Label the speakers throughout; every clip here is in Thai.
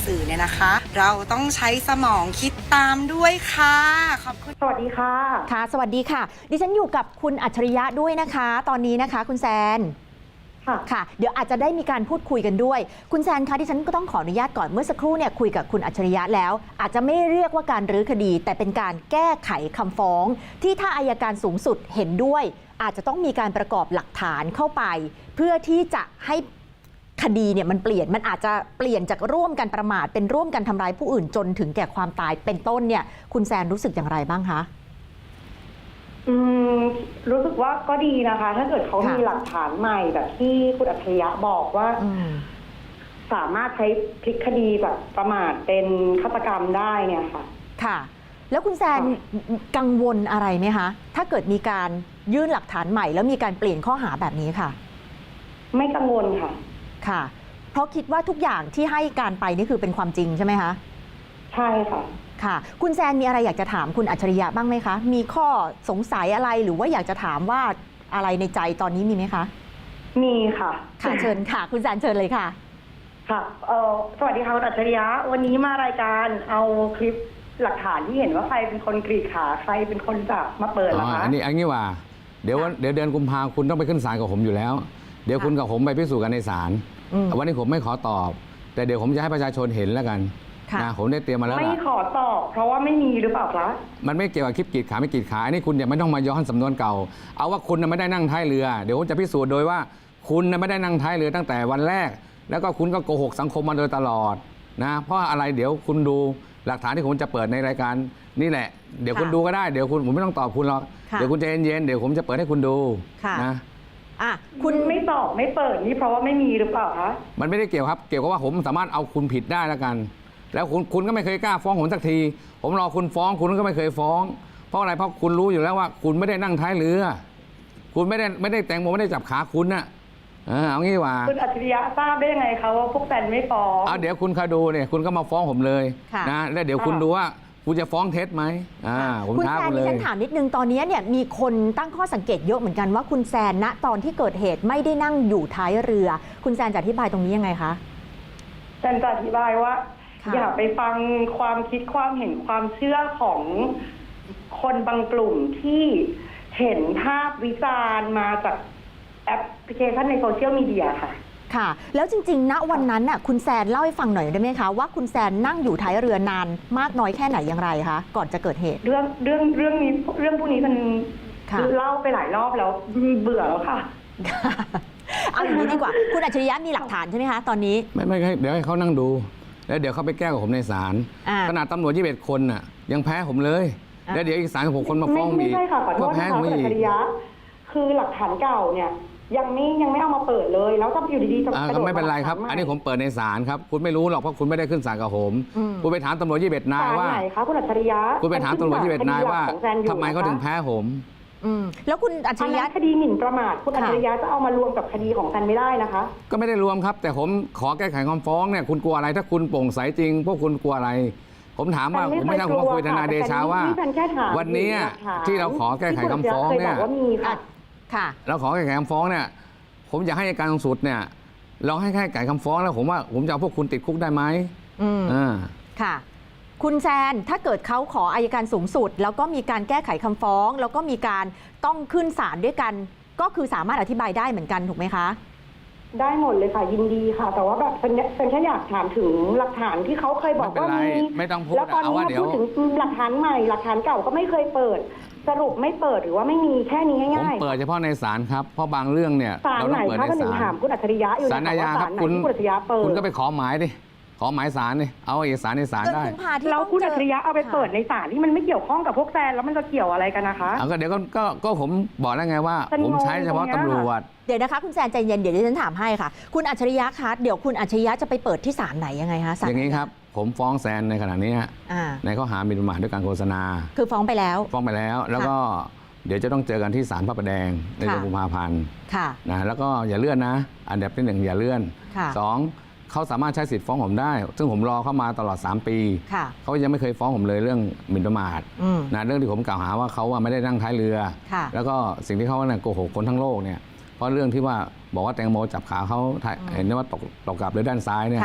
Speaker 1: สื่อเนี่ยนะคะ เราต้องใช้สมองคิดตามด้วยค่ะขอบคุณ
Speaker 2: สวัสดีค่ะ
Speaker 3: ค่ะสวัสดีค่ะดิฉันอยู่กับคุณอัจฉริยะด้วยนะคะตอนนี้นะคะคุณแซนค่ะเดี๋ยวอาจจะได้มีการพูดคุยกันด้วยคุณแซนคะดิฉันก็ต้องขออนุญาตก่อนเมื่อสักครู่เนี่ยคุยกับคุณอัจฉริยะแล้วอาจจะไม่เรียกว่าการรื้อคดีแต่เป็นการแก้ไขคำฟ้องที่ถ้าอัยการสูงสุดเห็นด้วยอาจจะต้องมีการประกอบหลักฐานเข้าไปเพื่อที่จะให้คดีเนี่ยมันเปลี่ยนมันอาจจะเปลี่ยนจากร่วมกันประมาทเป็นร่วมกันทำร้ายผู้อื่นจนถึงแก่ความตายเป็นต้นเนี่ยคุณแซนรู้สึกอย่างไรบ้างคะ
Speaker 2: รู้สึกว่าก็ดีนะคะ ถ้าเกิดเขามีหลักฐานใหม่แบบที่คุณอัจฉริยะบอกว่าสามารถใช้พลิกคดีแบบประมาทเป็นฆาตกรรมได้เนี่ยค่ะ
Speaker 3: ค่ะแล้วคุณแซนกังวลอะไรไหมคะถ้าเกิดมีการยื่นหลักฐานใหม่แล้วมีการเปลี่ยนข้อหาแบบนี้ค่ะ
Speaker 2: ไม่กังวลค่ะ
Speaker 3: ค่ะเพราะคิดว่าทุกอย่างที่ให้การไปนี่คือเป็นความจริงใช่ไหมคะ
Speaker 2: ใช่ค่ะ
Speaker 3: ค่ะคุณแซนมีอะไรอยากจะถามคุณอัจฉริยะบ้างไหมคะมีข้อสงสัยอะไรหรือว่าอยากจะถามว่าอะไรในใจตอนนี้มีไหมคะ
Speaker 2: มีค่ะ
Speaker 3: ค่ะเชิญค่ะคุณแซนเชิญเลยค่ะ
Speaker 2: ค่ะสวัสดีค่ะคุณอัจฉริยะวันนี้มารายการเอาคลิปหลักฐานที่เห็นว่าใครเป็นคนกรีดขาใครเป็นคนจับมาเปิดนะคะ
Speaker 4: อันนี้ว่าเดี๋ยวเดือนกุมภาคุณต้องไปขึ้นศาลกับผมอยู่แล้วเดี๋ยวคุณกับผมไปพิสูจน์กันในศาลวันนี้ผมไม่ขอตอบแต่เดี๋ยวผมจะให้ประชาชนเห็นแล้วกันนะผมได้เตรียมมาแล้ว
Speaker 2: ไม่ขอตอบเพราะว่าไม่มีหรือเปล่าคะ
Speaker 4: มันไม่เกี่ยวกับคลิปกรีดขาไม่กรีดขาอันนี้คุณอย่าไม่ต้องมาย้อนสำนวนเก่าเอาว่าคุณไม่ได้นั่งท้ายเรือเดี๋ยวผมจะพิสูจน์โดยว่าคุณไม่ได้นั่งท้ายเรือตั้งแต่วันแรกแล้วก็คุณก็โกหกสังคมมาโดยตลอดนะเพราะอะไรเดี๋ยวคุณดูหลักฐานที่ผมจะเปิดในรายการนี่แหละเดี๋ยวคุณดูก็ได้เดี๋ยวคุณผมไม่ต้องตอบคุณหรอกเดี๋ยวคุณใจเย็นๆเดี๋ยวผมจะเปิดให้คุณดูนะ
Speaker 2: คุณไม่ตอบไม่เปิดนี่เพราะว่าไม่มีหรือเปล่าคะ
Speaker 4: มันไม่ได้เกี่ยวครับเกี่ยวกับว่าผมสามารถเอาคุณผิดได้แล้วกันแล้วคุณก็ไม่เคยกล้าฟ้องผมสักทีผมรอคุณฟ้องคุณก็ไม่เคยฟ้องเพราะอะไรเพราะคุณรู้อยู่แล้วว่าคุณไม่ได้นั่งท้ายเรือคุณไม่ได้แตงโมไม่ได้จับขาคุณน่ะเอางี้ว่า
Speaker 2: คุณอัจฉริยะทราบได้ยังไงคะว่าพวกแฟนไม่ฟ้อง
Speaker 4: เดี๋ยวคุณคอยดูเนี่ยคุณก็มาฟ้องผมเลยนะแล้วเดี๋ยวคุณดูว่าคุณจะฟ้องเท็จไหม
Speaker 3: คุณแซนดิฉันถามนิดนึงตอนนี้เนี่ยมีคนตั้งข้อสังเกตเยอะเหมือนกันว่าคุณแซนณตอนที่เกิดเหตุไม่ได้นั่งอยู่ท้ายเรือคุณแซนจะอธิบายตรงนี้ยังไงคะ
Speaker 2: แซนจะอธิบายว่าอย่าไปฟังความคิดความเห็นความเชื่อของคนบางกลุ่มที่เห็นภาพวิจารณ์มาจากแอปพลิเคชันในโซเชียลมีเดียค่ะ
Speaker 3: ค่ะแล้วจริงๆณวันนั้นน่ะคุณแซนเล่าให้ฟังหน่อยได้ไหมคะว่าคุณแซนนั่งอยู่ท้ายเรือนานมากน้อยแค่ไหนอย่างไรคะก่อนจะเกิดเหตุ
Speaker 2: เรื่องนี้เรื่องพวกนี้มันเล่าไปหลายรอบแล้วเบื่อแล้วค่ะ
Speaker 3: เอาอย่างนี้ดีกว่าคุณอัจฉริยะมีหลักฐานใช่ไหมคะตอนนี้
Speaker 4: ไม่เดี๋ยวให้เขานั่งดูแล้วเดี๋ยวเขาไปแก้กับผมในศาลขนาดตำรวจ21 คนน่ะยังแพ้ผมเลยแล้วเดี๋ยวอีก36 คนมาฟ้อง
Speaker 2: อีกไม่ใช่ค่ะขอโทษนะคะคุณอัจฉริยะคือหลักฐานเก่าเนี่ยยังไม่เอามาเปิดเลยแล้วก็อยู่ดีๆจะ
Speaker 4: ก็ไม่เป็นไรครับอันนี้ผมเปิดในศาลครับคุณไม่รู้หรอกเพราะคุณไม่ได้ขึ้นศาลกับผมคุณไปถามตำรวจ21 นายว่า
Speaker 2: ไหนคะคุณอัจฉริยะ
Speaker 4: คุณไปถามตำรวจ21 นายว่าทำไมเขาถึงแพ้ผม
Speaker 3: แล้วคุณอัจฉริยะ
Speaker 2: คดีหมิ่นประมาทคุณอัจฉริยะจะเอามารวมกับคดีของแซนไม่ได้นะคะ
Speaker 4: ก็ไม่ได้รวมครับแต่ผมขอแก้ไขคำฟ้องเนี่ยคุณกลัวอะไรถ้าคุณโปร่งใสจริงพวกคุณกลัวอะไรผมถามว่าผมไม่ใช่ผมมาคุยทนายเดชาว่าวันนี้ที่เราขอแก้ไขคำฟ้องเนี่ยเราขอแก้ไขคำฟ้องเนี่ยผมอยากให้อัยการสูงสุดเนี่ยลองให้แก้ไขคำฟ้องแล้วผมว่าผมจะเอาพวกคุณติดคุกได้ไหม
Speaker 3: ค่ะคุณแซนถ้าเกิดเขาขออัยการสูงสุดแล้วก็มีการแก้ไขคำฟ้องแล้วก็มีการต้องขึ้นศาลด้วยกันก็คือสามารถอธิบายได้เหมือนกันถูกไหมคะ
Speaker 2: ได้หมดเลยค่ะยินดีค่ะแต่ว่าแบบเป็นแค่อยากถามถึงหลักฐานที่เขาเคยบอกว่ามี
Speaker 4: ไม่ต้องพูด
Speaker 2: แล้วตอนนี้พูดถึงหลักฐานใหม่หลักฐานเก่าก็ไม่เคยเปิดสรุปไม่เปิดหรือว่าไม่มีแค่นี้ง่าย
Speaker 4: ๆผมเปิดเฉพาะในศาลครับเพราะบางเรื่องเนี่ย
Speaker 2: เราต้องเปิดในศาลถามคุณอัจฉริยะอยู่
Speaker 4: ศาลอาญาครับคุณอัจฉริยะเปิดคุณก็ไปขอหมายดิขอหมายศาลนี่เอาเอกสารในศาลได้
Speaker 2: แล้วคุณอัจฉริยะเอาไปเปิดในศาลที่มันไม่เกี่ยวข้องกับพวกแซนแล้วมันจะเกี่ยวอะไรกันนะคะ
Speaker 4: ก็เดี๋ยวก็ผมบอกแล้วไงว่าผมใช้เฉพาะตำรวจ
Speaker 3: เดี๋ยวนะคะคุณแซนใจเย็นเดี๋ยวดิฉันถามให้ค่ะคุณอัจฉริยะคะเดี๋ยวคุณอัจฉริยะจะไปเปิดที่ศาลไหนยังไงคะ
Speaker 4: อย่างนี้ครับผมฟ้องแซนในขณะนี้ในข้อหาหมิ่นประมาทด้วยการโฆษณา
Speaker 3: คือฟ้องไปแล้ว
Speaker 4: แล้วก็เดี๋ยวจะต้องเจอกันที่ศาลพระประแดงในเดือนกุมภาพันธ์นะแล้วก็อย่าเลื่อนนะอันดับที่1อย่าเลื่อน2เขาสามารถใช้สิทธิ์ฟ้องผมได้ซึ่งผมรอเข้ามาตลอด3 ปีเขายังไม่เคยฟ้องผมเลยเรื่องหมิ่นประมาทนะเรื่องที่ผมกล่าวหาว่าเขาไม่ได้นั่งท้ายเรือแล้วก็สิ่งที่เขาโกหกคนทั้งโลกเนี่ยเพราะเรื่องที่ว่าบอกว่าแตงโมจับขาเขาเห็นว่าตกกลับเลยด้านซ้ายเนี่ย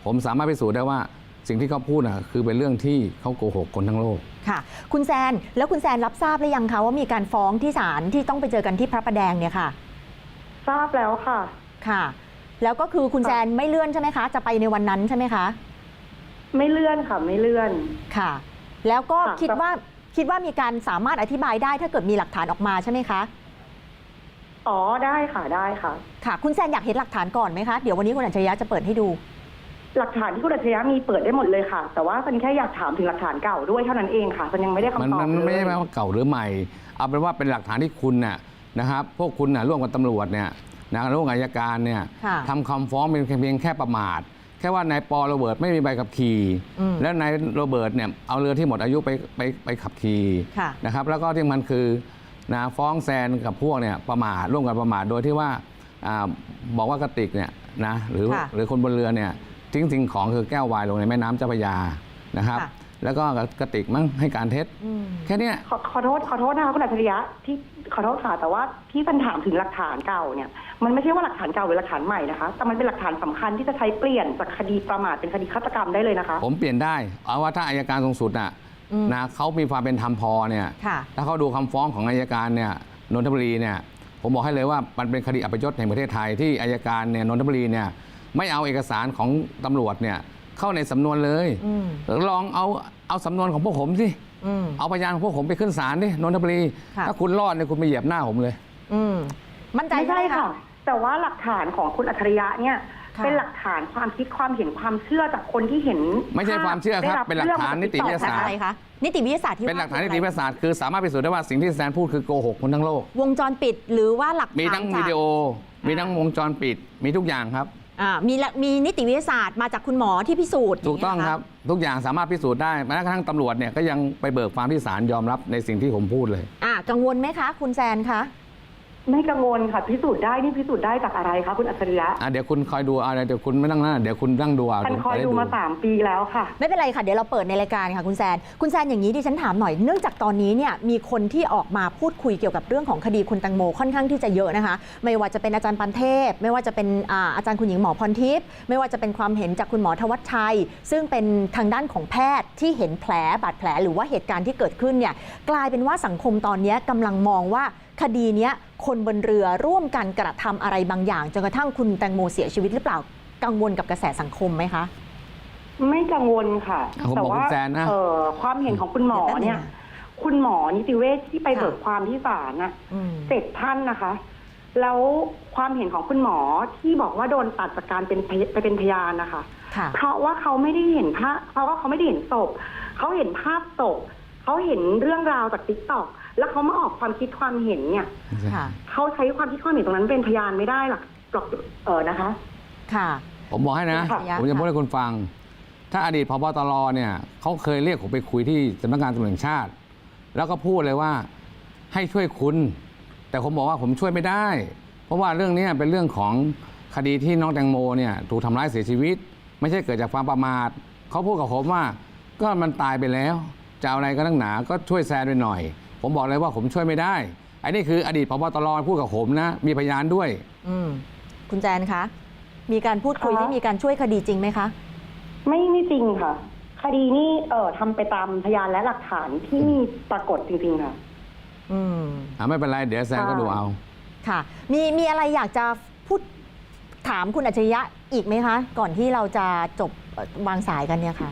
Speaker 4: ผมสามารถพิสูจน์ได้ว่าสิ่งที่เขาพูดคือเป็นเรื่องที่เขาโกหกคนทั้งโลก
Speaker 3: ค่ะ คุณแซนแล้วคุณแซนรับทราบหรือยังคะว่ามีการฟ้องที่ศาลที่ต้องไปเจอกันที่พระประแดงเนี่ยค่ะ
Speaker 2: ทราบแล้วค่ะ
Speaker 3: ค่ะ แล้วก็คือคุณแซนไม่เลื่อนใช่ไหมคะ จะไปในวันนั้นใช่ไหมคะ
Speaker 2: ไม่เลื่อนค่ะ ไม่เลื่อน
Speaker 3: ค่ะ แล้วก็
Speaker 2: ค่ะ
Speaker 3: คิดว่ามีการสามารถอธิบายได้ถ้าเกิดมีหลักฐานออกมาใช่ไหมคะ
Speaker 2: อ๋อได้ค่ะได้ค่ะ
Speaker 3: ค่ะ คุณแซนอยากเห็นหลักฐานก่อนไหมคะ เดี๋ยววันนี้คุณอัจฉริยะจะเปิดให้ดู
Speaker 2: หลักฐานที่คุณอัจฉริยะมีเปิดได้หมดเลยค่ะ แต่ว่าฉันแค่อยากถามถึงหลักฐานเก่าด้วยเท่านั้นเองค่ะฉันยังไม่ได้คำตอบ
Speaker 4: มัน
Speaker 2: เลย
Speaker 4: ไม่ใช่ว่าเก่าหรือใหม่ เอาเป็นว่าเป็นหลักฐานที่คุณนะครับพวกคุณร่วมกับตำรวจเนี่ยร่วมกับอัยการเนี่ย
Speaker 3: ค่ะ
Speaker 4: ทำคำฟ้องเป็นเพียงแค่ประมาท แค่ว่านายปอโรเบิร์ตไม่มีใบขับขี่ แล้วนายโรเบิร์ตเนี่ยเอาเรือที่หมดอายุไปขับขี่
Speaker 3: ค่ะ
Speaker 4: นะครับแล้วก็ที่มันคือฟ้องแซนกับพวกเนี่ยประมาทร่วมกันประมาทโดยที่ว่าบอกว่ากระติกเนี่ยนะหรือคนบนเรือเนี่ยทิ้งสิ่งของคือแก้ววายลงในแม่น้ำเจ้าพระยานะครับ
Speaker 3: ค่ะ
Speaker 4: แล้วก็กระติกมั้งให้การเท็จแค่เนี้ย
Speaker 2: ขอโทษนะคะคุณอัจฉริยะที่ขอโทษค่ะแต่ว่าที่ฉันถามถึงหลักฐานเก่าเนี่ยมันไม่ใช่ว่าหลักฐานเก่าหรือหลักฐานใหม่นะคะแต่มันเป็นหลักฐานสำคัญที่จะใช้เปลี่ยนจากคดีประมาทเป็นคดีฆาตกรรมได้เลยนะคะ
Speaker 4: ผมเปลี่ยนได้เอาว่าถ้าอัยการสูงสุดนะเขามีความเป็นธรรมพอเนี่ย
Speaker 3: ค่ะ
Speaker 4: ถ้าเขาดูคำฟ้องของอัยการเนี่ยนนทบุรีเนี่ยผมบอกให้เลยว่ามันเป็นคดีอัปยศแห่งประเทศไทยที่อัยการเนี่ยนนทบุรีเนี่ยไม่เอาเอกสารของตำรวจเนี่ยเข้าในสำนวนเลยลองเอาสำนวนของพวกผมสิเอาพยานของพวกผมไปขึ้นศาลดินนทบุรี
Speaker 3: ค่ะ
Speaker 4: ถ้าคุณรอดเนี่ยคุณไปเหยียบหน้าผมเลย
Speaker 3: มั่นใจ
Speaker 2: ไม่ใช่
Speaker 3: ไหม
Speaker 2: ค่ะ แต่ว่าหลักฐานของคุณอัจฉริยะเนี่ย
Speaker 3: ค่ะ
Speaker 2: เป็นหลักฐานความคิดความเห็นความเชื่อจากคนที่เห็น
Speaker 4: ไม่ใช่ความเชื่อครับ
Speaker 2: ได้
Speaker 4: เป็นหลักฐานนิติวิทยาศาสตร์
Speaker 3: อะไรคะนิติวิทยาศาสตร์ที่
Speaker 4: เป็นหลักฐานนิ
Speaker 3: ว่
Speaker 4: ติวิทยาศาสตร์คือสามารถพิสูจน์ได้ว่าสิ่งที่แซนพูดคือโกหกคนทั้งโลก
Speaker 3: วงจรปิดหรือว่าหลักฐาน
Speaker 4: มีทั้ง
Speaker 3: จาก
Speaker 4: วิดีโอ มีทั้งวงจรปิด มีทุกอย่างครับ
Speaker 3: มีนิติวิทยาศาสตร์มาจากคุณหมอที่พิสูจน์
Speaker 4: ถูกต้อง
Speaker 3: ย่าเย
Speaker 4: ครับ ทุกอย่างสามารถพิสูจน์ได้แม้กระทั่งตำรวจเนี่ยก็ยังไปเบิกความที่ศาลยอมรับในสิ่งที่ผมพูดเลย
Speaker 3: กังวลไหมคะ คุณแซนคะ
Speaker 2: ไม่กังวลค่ะพิสูจน์ได้นี่พิสูจน์ได้จากอะไรคะคุณอัจฉริยะ
Speaker 4: เดี๋ยวคุณคอยดูอะไรเดี๋ยวคุณไม่นั่งหน้าเดี๋ยวคุณนั่งดูเอา
Speaker 2: ฉันคอย
Speaker 4: จะไ
Speaker 2: ดูมา3 ปีแล้วค่ะ
Speaker 3: ไม่เป็นไรค่ะ เดี๋ยวเราเปิดในรายการค่ะคุณแซนอย่างนี้ดิฉันถามหน่อยเนื่องจากตอนนี้เนี่ยมีคนที่ออกมาพูดคุยเกี่ยวกับเรื่องของคดีคุณแตงโมค่อนข้างที่จะเยอะนะคะไม่ว่าจะเป็นอาจารย์ปันเทพไม่ว่าจะเป็นอาจารย์คุณหญิงหมอพรทิพย์ไม่ว่าจะเป็นความเห็นจากคุณหมอธวัชชัย ซึ่งเป็นทางด้านของแพทย์ที่เห็นแผลบาดแผลหรือว่าเหตุการณ์ที่เกิดขึ้นเนี่ยกลายเป็นว่าสังคมตอนนี้กำลังมองว่าคดีนี้คนบนเรือร่วมกันกระทำอะไรบางอย่างจนกระทั่งคุณแตงโมเสียชีวิตหรือเปล่ากังวลกับกระแสสังคมไหมคะ
Speaker 2: ไม่กังวลค่ะ
Speaker 4: ผม
Speaker 2: แต่
Speaker 4: บอก
Speaker 2: ว่า
Speaker 4: คุณแซนนะ
Speaker 2: ความเห็นของคุณหมอเนี่ย คุณหมอนิติเวชที่ไป
Speaker 3: ค่ะ
Speaker 2: เบิกความที่ศาลน่ะ7 ท่านนะคะ แล้วความเห็นของคุณหมอที่บอกว่าโดนตัดจากการไปเป็นพยานนะคะ
Speaker 3: ค่ะ
Speaker 2: เพราะว่าเขาไม่ได้เห็นภาพเพราะว่าเขาไม่ได้เห็นศพเขาเห็นภาพศพเขาเห็นเรื่องราวจากติ๊กต็อกแล้วเขามาออกความคิดความเห็นเนี่ย
Speaker 3: ค่ะ
Speaker 2: เขาใช้ความคิดความเห็นตรงนั้นเป็นพยานไม่ได้หรอกนะคะ
Speaker 3: ค่ะ
Speaker 4: ผมบอกให้นะ
Speaker 2: ค่ะ
Speaker 4: ผมจะพูดให้คุณฟัง ถ้าอดีตพบตรเนี่ยเขาเคยเรียกผมไปคุยที่สำนักงานตำรวจแห่งชาติ แล้วก็พูดเลยว่าให้ช่วยคุณ แต่ผมบอกว่าผมช่วยไม่ได้ เพราะว่าเรื่องนี้เป็นเรื่องของคดีที่น้องแตงโมเนี่ยถูกทำร้ายเสียชีวิต ไม่ใช่เกิดจากความประมาทเขาพูดกับผมว่าก็มันตายไปแล้วจะเอาอะไรก็ตั้งหนาก็ช่วยแซนไปหน่อย ผมบอกเลยว่าผมช่วยไม่ได้ไอ้นี่คืออดีตพบตรพูดกับผมนะมีพยานด้วย
Speaker 3: คุณแจนคะ มีการพูดคุย
Speaker 2: ค่ะ
Speaker 3: ที่มีการช่วยคดีจริงไหมคะ
Speaker 2: ไม่จริงค่ะ คดีนี้ทำไปตามพยานและหลักฐานที่มีปรากฏจริงๆค่ะ
Speaker 4: ไม่เป็นไรเดี๋ยวแซนก็ดูเอา
Speaker 3: ค่ะ มีอะไรอยากจะพูดถามคุณอัจฉริยะอีกไหมคะ ก่อนที่เราจะจบวางสายกันเนี่ยค่ะ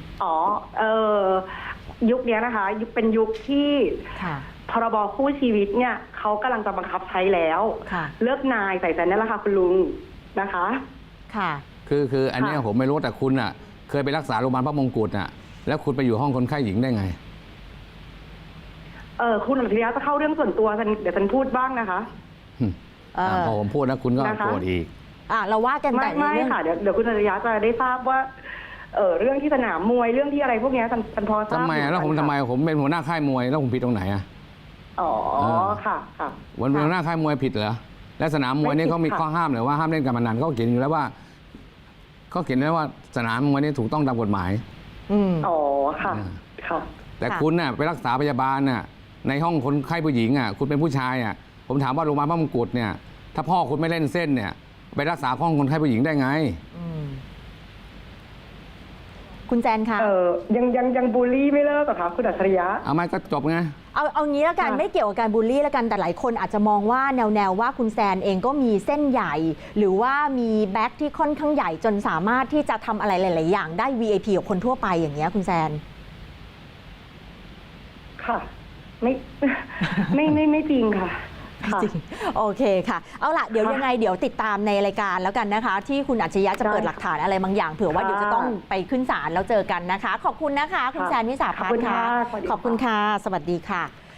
Speaker 2: ยุคนี้นะคะเป็นยุคที่
Speaker 3: ค่ะ
Speaker 2: พรบคู่ชีวิตเนี่ยเขากำลังจะบังคับใช้แล้ว
Speaker 3: ค่ะ
Speaker 2: เลิกนายใส่ใจนั่นแหละค่ะคุณลุงนะคะ
Speaker 3: ค่ะ
Speaker 4: คืออันเนี้ย
Speaker 2: ค่ะ
Speaker 4: ผมไม่รู้แต่คุณเคยไปรักษาโรงพยาบาลพระมงกุฎแล้วคุณไปอยู่ห้องคนไข้หญิงได้ไง
Speaker 2: คุณอัจฉริยะจะเข้าเรื่องส่วนตัวเดี๋ยวฉันพูดบ้างนะคะ
Speaker 4: พอผมพูดนะคุณก็
Speaker 2: นะคะ
Speaker 4: โกรธอีก
Speaker 3: เราว่ากันแต่
Speaker 2: ไม่
Speaker 3: เรื่อง
Speaker 2: ค่ะเดี๋ยวคุณอัจฉริยะจะได้ทราบว่าเรื่องที่สนามมวยเรื่องที่อะไรพวกเนี้ยฉันพอทราบ
Speaker 4: ทำไม
Speaker 2: อยู่
Speaker 4: แล้วผม
Speaker 2: ค่ะ
Speaker 4: ทำไมผมเป็นหัวหน้าค่ายมวยแล้วผมผิดตรงไหนอะ
Speaker 2: อ๋อ
Speaker 4: เออ
Speaker 2: ค่ะค่ะ
Speaker 4: วันหัวหน้าค่ายมวยผิดเหรอและสนามมวยนี่
Speaker 2: ไม่ผิด
Speaker 4: เขามี
Speaker 2: ค่ะ
Speaker 4: ข้อห้ามเลยว่าห้ามเล่นการพนันเขาเขียนอยู่แล้วว่าเขาเขียนไว้ว่าสนามมวยนี่ถูกต้องตามกฎหมาย
Speaker 2: อ๋อค่ะ ค่ะ
Speaker 4: แต่คุณไปรักษาพยาบาลในห้องคนไข้ผู้หญิงคุณเป็นผู้ชายผมถามว่าโรงพยาบาลพระมงกุฎเนี่ยถ้าพ่อคุณไม่เล่นเส้นเนี่ยไปรักษาห้องคนไข้ผู้หญิงได้ไง
Speaker 3: คุณแซนคะ
Speaker 2: ยังบูลลี่ไม่เลิกเหรอคะคุณอัจฉริยะ
Speaker 4: เอาไม่ก็จบไง
Speaker 3: เอางี้แล้วกันไม่เกี่ยวกับการบูลลี่แล้วกันแต่หลายคนอาจจะมองว่าแนวว่าคุณแซนเองก็มีเส้นใหญ่ หรือว่ามีแบ็คที่ค่อนข้างใหญ่จนสามารถที่จะทำอะไรหลาย ๆ อย่างได้ VIP กับคนทั่วไปอย่างเงี้ยคุณแซน
Speaker 2: ค่ะไม่จริงค่ะ
Speaker 3: จริงโอเคค่ะเอาล่ะเดี๋ยวยังไงเดี๋ยวติดตามในรายการแล้วกันนะคะที่คุณอัจฉริยะจะเปิดหลักฐานอะไรบางอย่างเผื่อว่าเดี๋ยวจะต้องไปขึ้นศาลแล้วเจอกันนะคะขอบคุณนะคะคุณแซนวิสาพัฒน์ค่ะขอบคุณค่ะสวัสดีค่ะ